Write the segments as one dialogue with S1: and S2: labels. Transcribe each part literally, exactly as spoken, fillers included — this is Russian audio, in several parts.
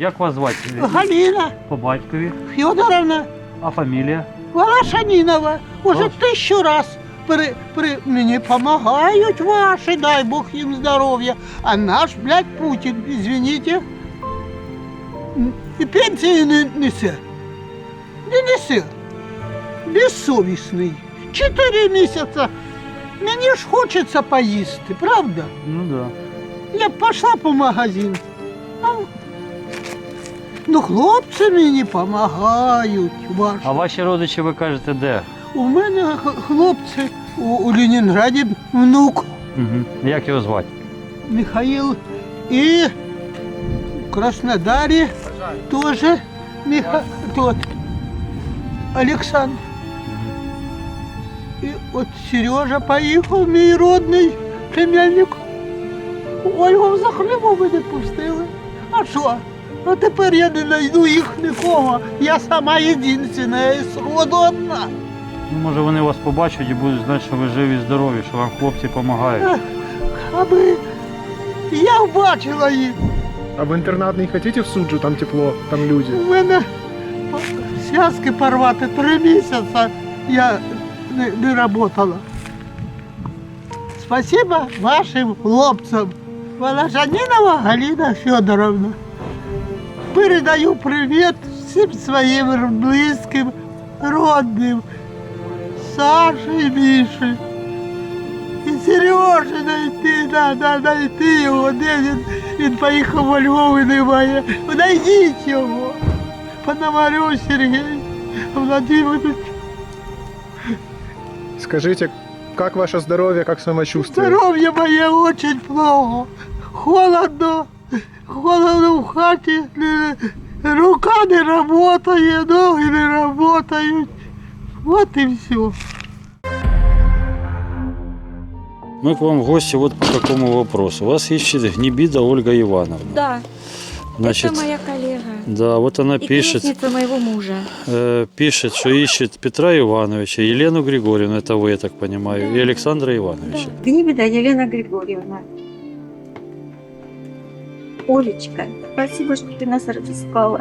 S1: Як вас звати?
S2: Галина
S1: По батькові.
S2: Федоровна
S1: А фамілія?
S2: Волошанинова. Уже
S1: Ось.
S2: тисячу раз при, при, мені помогають ваші, дай Бог їм здоров'я. А наш, блядь, Путін, извините, і пенсії не несе. Не несе. Безсовісний. Чотири місяці. Мені ж хочеться поїсти, правда?
S1: Ну да.
S2: Я б пішла по магазину. А, ну, хлопці мені допомагають. Ваші.
S1: А ваші родичі, ви кажете, де?
S2: У мене х- хлопці у, у Ленінграді внук
S1: Угу. Як його звати?
S2: Михаїл і в Краснодарі теж Миха... тот Олександр. І от Сережа поїхав, мій родний племянник. Ольгу за хлібом не пустили. А що? А тепер я не знайду їх нікого. Я сама єдина із роду одна.
S1: Ну, може вони вас побачать і будуть знати, що ви живі і здорові, що вам хлопці допомагають.
S2: Ах, аби я бачила їх.
S3: А в интернат не хотите в Суджу, там тепло, там люди?
S2: У мене по- зв'язки порвати три місяці я не, не працювала. Спасибо вашим хлопцям. Волошанинова Галина Федоровна. Передаю привіт всім своїм близьким, родним. Саші і Міші. І Сережі знайти, треба знайти його, де він, він поїхав во Львов і немає. Знайдіть його. Пономарю Сергій Владимирович.
S3: Скажите, как ваше здоровье, как самочувствие?
S2: Здоров'я моє очень плохо. Холодно, холодно в хаті, не- рука не працює, ноги не працюють. Вот і все.
S4: Мы к вам в гости вот по какому вопросу. Вас ищет Гнебида Ольга Ивановна.
S5: Да,
S4: Значит,
S5: это моя коллега.
S4: да, вот она
S5: И
S4: пишет,
S5: крестница моего мужа.
S4: э, пишет, что ищет Петра Ивановича, Елену Григорьевну, это вы, я так понимаю,
S5: Да.
S4: и Александра Ивановича.
S5: Да. Гнибеда Елена Григорьевна. Олечка, спасибо, что ты нас разыскала.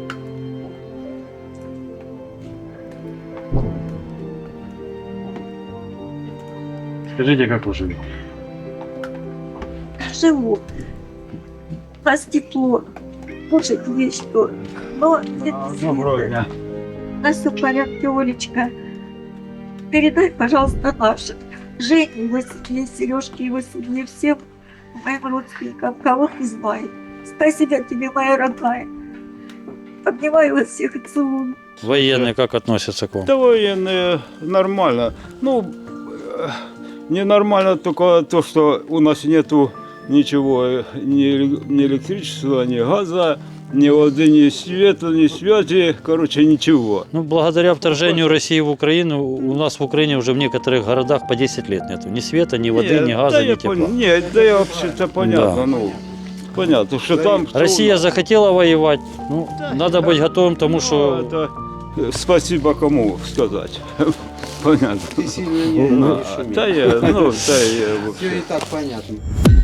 S1: Скажіть, як ви живі?
S5: Живу. У нас тепло. Кушать есть что. Но
S1: Доброго дня.
S5: у нас все в порядке, Олечка. Передай, пожалуйста, нашим Жене, его семье, Сережке, его семье, всем моим родственникам, кого ты знаешь. Спасибо тебе, моя родная. Обнимаю вас всех и целую.
S4: Военные как относятся к вам?
S6: Да военные нормально. Ну, э, ненормально только то, что у нас нету ничего, э, ни, эле- ни электричества, ни газа, ни воды, ни света, ни связи, короче, ничего.
S4: Ну, благодаря вторжению России в Украину, у нас в Украине уже в некоторых городах по десять лет нету. Ни света, ни воды,
S6: Не,
S4: ни газа,
S6: да
S4: ни
S6: я
S4: тепла.
S6: пон- Не, да я вообще-то понятно,
S4: Да.
S6: ну, понятно, что там... что у
S4: Россия
S6: нас.
S4: захотела воевать. Ну,
S6: Да,
S4: надо
S6: да.
S4: быть готовым к тому,
S6: Ну,
S4: что...
S6: это, э, спасибо кому сказать. Понятно.
S7: Ты сильно не,
S6: Ну,
S7: не шуми.
S6: да я, ну, да я, в
S7: Все
S6: общем.
S7: и так понятно.